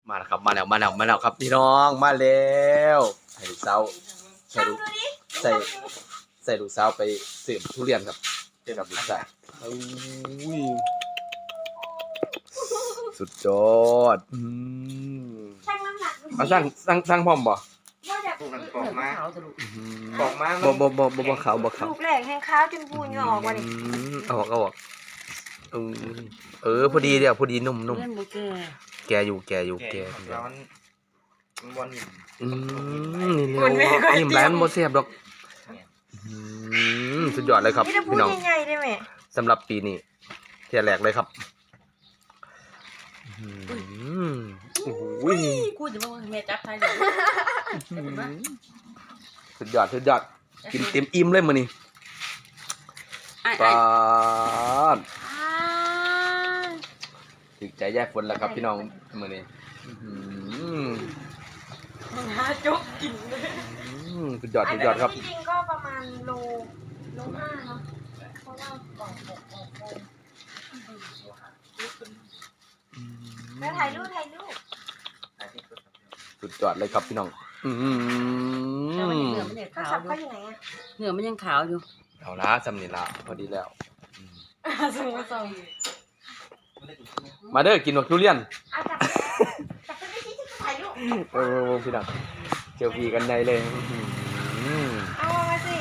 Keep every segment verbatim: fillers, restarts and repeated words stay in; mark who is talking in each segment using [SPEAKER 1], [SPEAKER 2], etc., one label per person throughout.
[SPEAKER 1] มาแล้วครับมาแล้วมาแล้วมาแล้วครับพี่น้องมาแล้วให้ลูกสาวใส่ลูกใส่ใส่ลูกสาวไปเสิร์ฟทุเรียนครับเจอกับลูกชายอุ้ยสุดยอดอืม
[SPEAKER 2] ช่างน้ำหนักดูสิ
[SPEAKER 1] เอาสร้างสร้างสร้างพร้อมบ่
[SPEAKER 2] ว่าจะ
[SPEAKER 3] พวกนั้นกรอกมา
[SPEAKER 4] ขาวสรุป
[SPEAKER 3] กรอกมา
[SPEAKER 1] บ่บ่บ่บ่บ่ขาวบ่ขาว
[SPEAKER 2] ลูกแหลกแห้งข้าวจนพูนเหงาออกมาดิ
[SPEAKER 1] อืมเอาออกเอาออกเออเออพอดีเดียวพอดีนุ่มนุ่ม
[SPEAKER 4] เล่นโบเก
[SPEAKER 1] แกอยู่แกอยู่แก
[SPEAKER 3] แก่ร้อนมันบอลนี่
[SPEAKER 1] อืมนี่เร็วนิ่มร้านโมเสียบดอกอืมสุดยอดเลยครับ
[SPEAKER 2] นี่จะพูด
[SPEAKER 1] พี่น้อง
[SPEAKER 2] ใหญ่ๆได้ไหม
[SPEAKER 1] สำหรับปีนี้เที่ยแรกเลยครับอืมโอ้โห
[SPEAKER 4] กูจะบอกว่าแม่จับไทยเลย
[SPEAKER 1] สุดยอดสุดยอดกินเต็มอิ่มเลยมื้อนี้
[SPEAKER 4] ไอ้
[SPEAKER 1] ป
[SPEAKER 4] ไอ้
[SPEAKER 1] าดถึกใจแย่ฝนแล้วครับพี่น้องมื้อนี้อืม
[SPEAKER 2] หาจุกกินเลย
[SPEAKER 1] อืมสุดยอดสุดยอดครับ
[SPEAKER 2] จริงๆก็ประมาณโลโลห้าเนาะเพราะว่าก่อนหกโมงแล้วถ่ายรูปถ่ายรูป
[SPEAKER 1] สุดยอดเลยครับพี่น้องอืม
[SPEAKER 4] แต่มันยังเหนือมันยัง
[SPEAKER 2] โทร
[SPEAKER 4] ขาว
[SPEAKER 2] ศัพท์
[SPEAKER 4] อยู่
[SPEAKER 2] เขาอยู่ไหนอะ
[SPEAKER 4] เหนือมันยังขาวอยู่
[SPEAKER 1] เอาละสำนีละพอดีแล้ว
[SPEAKER 2] ส่งมาส่ง
[SPEAKER 1] มาเด้อกินหนวดทุเรียน
[SPEAKER 2] เอาจับจับไปที่ที่ถ่ายรูป
[SPEAKER 1] โอ้โหพี่น้องเจลฟีกันในเลยอืม
[SPEAKER 2] เอามาสิ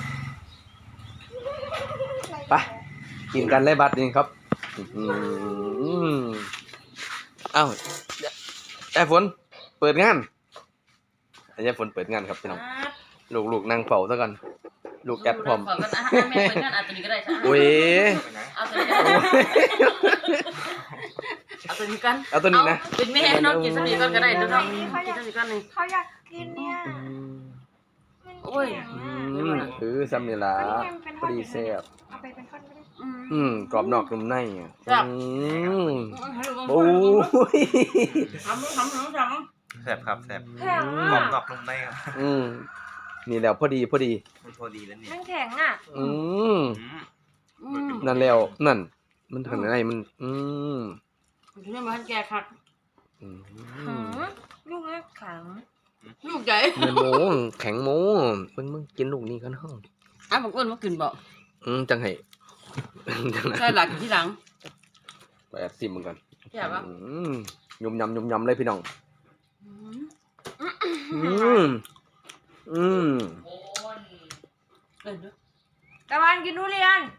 [SPEAKER 1] ไปกินกันเลยบัดนี้ครับอืมเอ้าไอ้ฝนเปิดงานไอ้ฝนเปิดงานครับพี่น้องลูกๆนั่งเฝ้าซะก่อนลูกแอดพร้อม
[SPEAKER 4] ขอกันอ่ะแม่เปิดงานอัดตัวนี้ก็ได้ใช่ไหม
[SPEAKER 1] โอ้ย
[SPEAKER 4] เอาตัวนี้กันเอาตัวนี้กัน
[SPEAKER 1] เอาตัวนี้นะ
[SPEAKER 4] เป็นแม่น้องกินสักนิดก่อนก็ได้เนาะกินสักนิดก่อนหนึ่ง
[SPEAKER 2] เขาอยากกินเนี่ย
[SPEAKER 4] โอ้ย
[SPEAKER 1] อืมคือสำนีละพอดีแซ่บ
[SPEAKER 2] เอาไปเป็นท่อนก็ได้
[SPEAKER 1] อืมกรอบนอกนุ่มในอ่ะอืมโอ้
[SPEAKER 4] โอ้
[SPEAKER 1] ย
[SPEAKER 4] ทำทำทำทำ
[SPEAKER 3] แซ่บครับแซ่บ
[SPEAKER 2] แข็ง
[SPEAKER 3] กรอบ
[SPEAKER 2] อ่ะ
[SPEAKER 3] นอกนุ่มในครับ
[SPEAKER 1] อืมนี่แล้วพอดีพอดี
[SPEAKER 3] มันพอดีแล้วนี่
[SPEAKER 2] มันแข็งอ่ะ
[SPEAKER 1] อืม
[SPEAKER 3] อืม
[SPEAKER 1] นั่นแล้วนั่น มันทางไหนมัน อืม
[SPEAKER 4] คุณแม่มาให้แกคัก
[SPEAKER 1] อืม
[SPEAKER 2] หืมลูกนี้แข็ง
[SPEAKER 4] ลูกใหญ่
[SPEAKER 1] เนื้อหมูแข็งหมูมึงมึงกินลูกนี้กันห้อง
[SPEAKER 4] อ่ะบอกอ้วนมากินบอก
[SPEAKER 1] อืมจังไห้จังไหน
[SPEAKER 4] ใช่หลักกินที่หลัง
[SPEAKER 1] ไปแอบซิมมึงกัน
[SPEAKER 4] ใช่ปะ
[SPEAKER 1] อืมยำยำยำยำเลยพี่น้อง
[SPEAKER 4] อืม
[SPEAKER 1] อืมอืม
[SPEAKER 4] เออเนาะ
[SPEAKER 2] ตะวันกินทุเรียน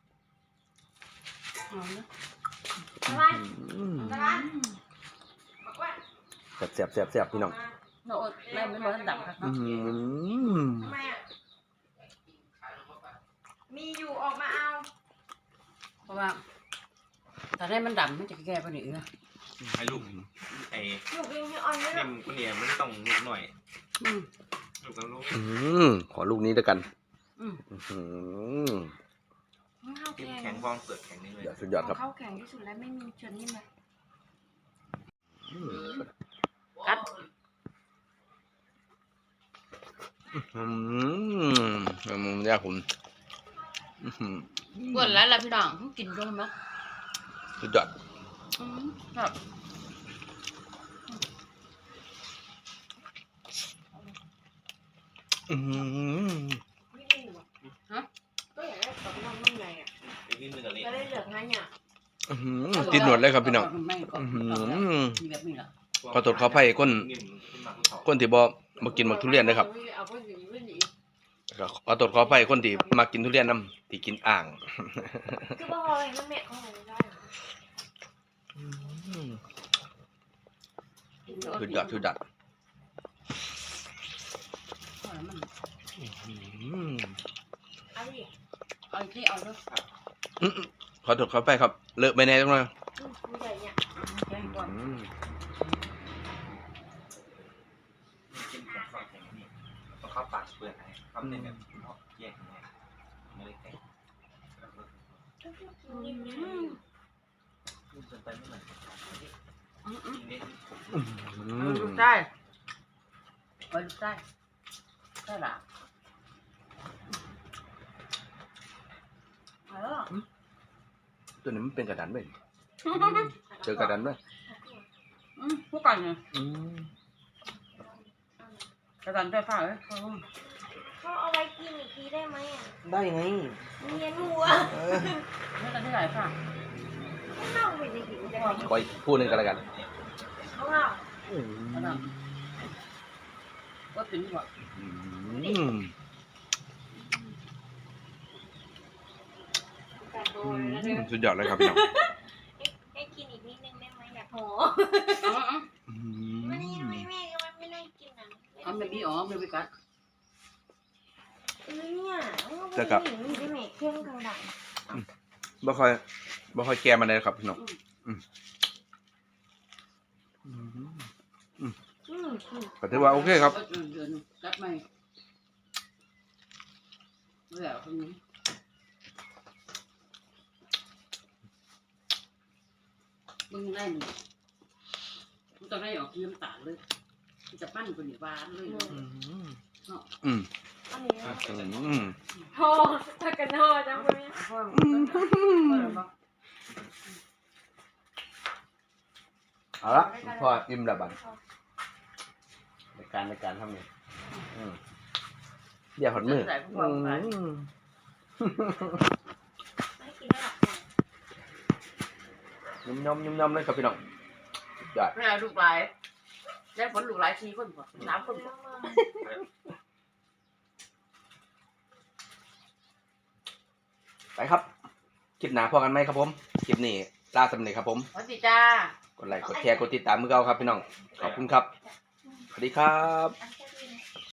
[SPEAKER 4] เอาเนาะ
[SPEAKER 2] ตะวัน
[SPEAKER 1] อืม
[SPEAKER 2] ตะวันบอกว่า
[SPEAKER 1] แซ่บแซ่บแซ่บแซ่บพี่น้อง
[SPEAKER 4] เนาะแม่ไม่บอกให้ดับครับ
[SPEAKER 1] อื
[SPEAKER 4] เนาะ
[SPEAKER 1] ม
[SPEAKER 2] ทำไมอ่ะมีอยู่ออกมาเอา
[SPEAKER 4] เพราะว่าแต่ได้มันดำมันจะแก้ปัญหาเนาะ
[SPEAKER 3] ให้ลูกไอ้
[SPEAKER 2] ลูกเองที่อ่อนไม่หร
[SPEAKER 3] เนี่
[SPEAKER 2] อย ก
[SPEAKER 3] มันคนเนี่ยมันต้องนิดหน่อย
[SPEAKER 4] อืม
[SPEAKER 3] ลูกกับลูก
[SPEAKER 1] อืมขอลูกนี้ด้วยกัน
[SPEAKER 4] อืม
[SPEAKER 1] อืม
[SPEAKER 2] ข้าว
[SPEAKER 3] กิน
[SPEAKER 2] แข็
[SPEAKER 3] แข็
[SPEAKER 2] ง
[SPEAKER 3] งฟองเปลือกแข็งนี่เลย
[SPEAKER 1] เดี๋ยวสุดยอดครับ
[SPEAKER 2] ข้าวแข็งที่สุดแล้วไม่มีเชิญนิ่มเลย
[SPEAKER 4] กัด
[SPEAKER 1] อืมอืมยากคุณอื้อหือ
[SPEAKER 4] กวนแล้วล่ะพี่น้องกินด้วยมั้ย
[SPEAKER 1] สุดยอด
[SPEAKER 4] อืมครับ
[SPEAKER 1] อืม
[SPEAKER 2] ไม่ดีหรอฮะก็อยากได้กับน้องนุ่มใหญ่อ่ะ
[SPEAKER 3] ไปกินเนื้อเลย
[SPEAKER 2] จะได้เหลือกให้เนี่ย
[SPEAKER 1] อื้อหือติดหนวดเลยครับพี่น้อง
[SPEAKER 4] ไม่ก็
[SPEAKER 1] อื้อหือ
[SPEAKER 4] มีแบบนี้เหรอ
[SPEAKER 1] ขอโทษขออภัยคน คนที่บ่มากินหมากทุเรียนนะครับ
[SPEAKER 2] เอาไปอยู่ไม่ดี
[SPEAKER 1] ก็ขอโทษขออภัยคนที่มากินทุเรียนนํที่กินอ่าง
[SPEAKER 2] คือว่าอะไรน้ำแม่เขาไม่ได้
[SPEAKER 1] สุดยอดสุดยอด อืม
[SPEAKER 2] เอาดิ
[SPEAKER 4] เอาที่เอาด้วย
[SPEAKER 1] อื้อขอโทษขออภัยครับ เลอะไปแน่จังเลย
[SPEAKER 2] ผู้ใหญ่เนี่ย
[SPEAKER 4] แกงก่อน
[SPEAKER 1] อืม
[SPEAKER 3] กินแข็งฟองแข็งนี่ต้องเข้าปากเปลือกให้เข้าในแบบแยกยังไงไม่ได้แข็งลูกเกินไปไม่เหมือนกินได้
[SPEAKER 1] อื
[SPEAKER 4] เอา
[SPEAKER 1] ม
[SPEAKER 4] ดูได้เอาดูได้ได้ละเออ
[SPEAKER 1] ตัวนี้มันเป็นกระดานไหมเจอกระดานไหม
[SPEAKER 4] ออืมพวกกันเนี่ย
[SPEAKER 1] อืม
[SPEAKER 4] กระดานไฟฟ้าเอ้ยเขา
[SPEAKER 2] เขาเอาไว้กินอีกทีได้ไหมอ่ะ
[SPEAKER 1] ได้ไง
[SPEAKER 2] เมียหนูอ่ะ
[SPEAKER 1] เออ
[SPEAKER 4] ไม่ได้ที่ไหนค่ะ
[SPEAKER 2] ไม่เล่าไปในหิวได้ไหม
[SPEAKER 1] ขออีกพูดหนึ่งกันแล้วกัน
[SPEAKER 2] เขาเล่า
[SPEAKER 4] กระดานก็ถึงว่า
[SPEAKER 1] อืม
[SPEAKER 2] แต่โด
[SPEAKER 1] อื
[SPEAKER 2] น
[SPEAKER 1] ม
[SPEAKER 2] แล้วเนี่ย
[SPEAKER 1] สุดยอดเลยครับพี่น้อง
[SPEAKER 2] ให้กินอีกนิดนึงได้ไหมอยากหอ
[SPEAKER 4] เอาเอา
[SPEAKER 1] อื
[SPEAKER 2] ไม่ได้
[SPEAKER 1] ม
[SPEAKER 2] ไม่แม่ก็ไม่ได้กินนะ
[SPEAKER 4] เอาไม่มีอ๋อไม่มีกัด
[SPEAKER 2] เนี่ยไม่ได้หิวได้ไหมเครื่องกลางดัง
[SPEAKER 1] บ่ค่อยบ่ค่อยแก่มาเลยครับพี่น้องอืมอืม
[SPEAKER 2] อืมอืม
[SPEAKER 1] ก็ถือว่าโอเคครับ
[SPEAKER 4] เดือนเดือนกัดไหมแล้วคนนี้มึงได้หนึ่งมึงต้องได้ออกน้ำตาลเลยมันจะปั้นคนหนีหวานเลย
[SPEAKER 1] อืมอืม
[SPEAKER 2] อันนี้
[SPEAKER 1] อืม
[SPEAKER 2] พอถ้ากันห่อจังเลย
[SPEAKER 4] พ่อพ่อบอก
[SPEAKER 1] เอาละพ่ออิ่มแล้วบัดในการในการทำนี่อืมเดี๋ยวหดมือ
[SPEAKER 4] ใส่พวก
[SPEAKER 1] อื
[SPEAKER 4] เราไป
[SPEAKER 1] ม
[SPEAKER 2] ไม่กินได้หรอก
[SPEAKER 1] ยุ่มยำยุ่มยำเลยครับพี่น้องสุดยอด
[SPEAKER 4] ไม่เอาลูกหลายได้ผลลูกหลายทีคนบ่สามคนบ่
[SPEAKER 1] ไปครับคลิปหน้าพอกันไหมครับผมคลิปนี้ลาสำเร็จครับผม
[SPEAKER 4] สวัสดีจ้า
[SPEAKER 1] กดไลค์กดแชร์กดติดตามมือเก่าครับพี่น้องขอบคุณครับสวัสดีครับ
[SPEAKER 2] โอเค